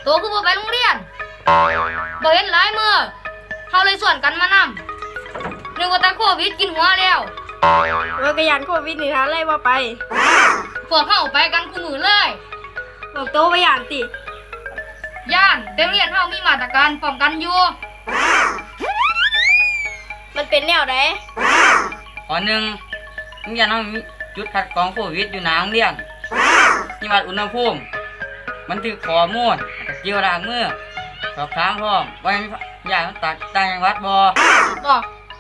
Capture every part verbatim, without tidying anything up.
โตคือบ่ไปโรงเรียนบ่เห็นหลายมื้อเฮาเลยส่วนกันมานำนึกว่าแต่โควิดกินหัวแล้วว่ากระยานโควิดนี่ฮะเลยว่าไปพวกเฮาไปกันคู่มือเลยบอกโตไปยานติย่านแต่โรงเรียนเฮามีมาตรการป้องกันอยู่มันเป็นแนวใดข้อหนึ่งโรงเรียนเรามีจุดคัดกรองโควิดอยู่หน้าโรงเรียนมีวัดอุณหภูมิมันถือข้อมูลเกี่ยวล้างมือสอบถามพร้อมว่ามีญาติต่างต่างจังหวัดบ่บ่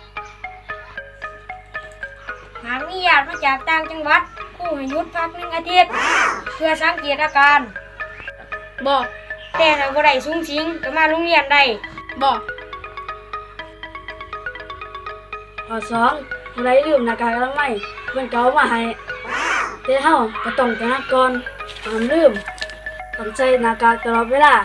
หากมีญาติมาจากต่างจังหวัดครูให้หยุดพักหนึ่งอาทิตย์เพื่อสังเกตอาการบ่แต่ถ้าบ่ได้สูงสิงก็มาโรงเรียนได้บ่ข้อสองผู้ใดลืมหน้ากากอนามัยเพิ่นก็เอามาให้แต่เฮาก็ต้องตระหนักก่อนห้ามลืมต้องใส่หน้ากากตลอดเวลา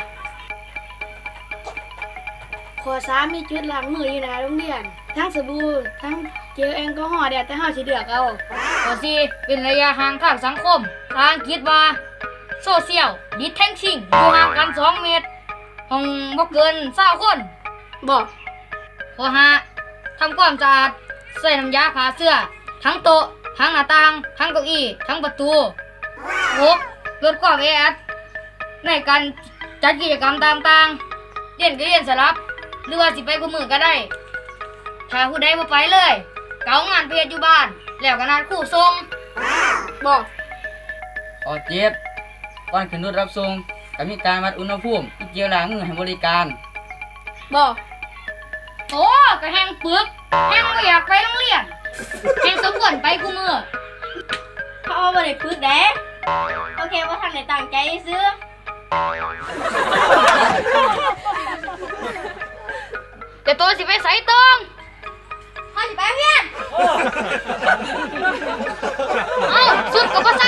ข้อสามมีจุดล้างมืออยู่หน้าโรงเรียนทั้งสบู่ทั้งเจลแอลกอฮอล์เดี๋ยวแต่เฮาสิเลือกเอาข้อสี่เป็นระยะห่างทางสังคมภาษาอังกฤษว่า Social Distancing อยู่ห่างกันสองเมตรห้องบ่เกินยี่สิบคนบ่ข้อห้าทำความสะอาดใส่น้ำยาฆ่าเชื้อทั้งโต๊ะทั้งหน้าต่างทั้งเก้าอี้ทั้งประตูหกลดความแออัดในการจัดกิจกรรมต่างๆเรียนก็เรียนสลับหรือว่าสิไปกูมือก็ได้ถ้าผู้ใดบ่ไปเลยเกางานไปเฮ็ดอยู่บ้านแล้วก็นัดครูส่งบ่ข้อเจ็ดก่อนขึ้นรถรับส่งก็มีการวัดอุณหภูมิเกี่ยวล้างมือให้บริการบ่โอ้ก็แห้งปึกแห้งบ่อยากไปโรงเรียนแห้งสมควรไปกูมือเขาเอาบ่ได้ปึกเด้โอเคว่าทันได้ตั้งใจซื้อแต่ตัวสิไปไสต้องเฮาสิไปเรียนเอ้าสุดก็บ่ใส่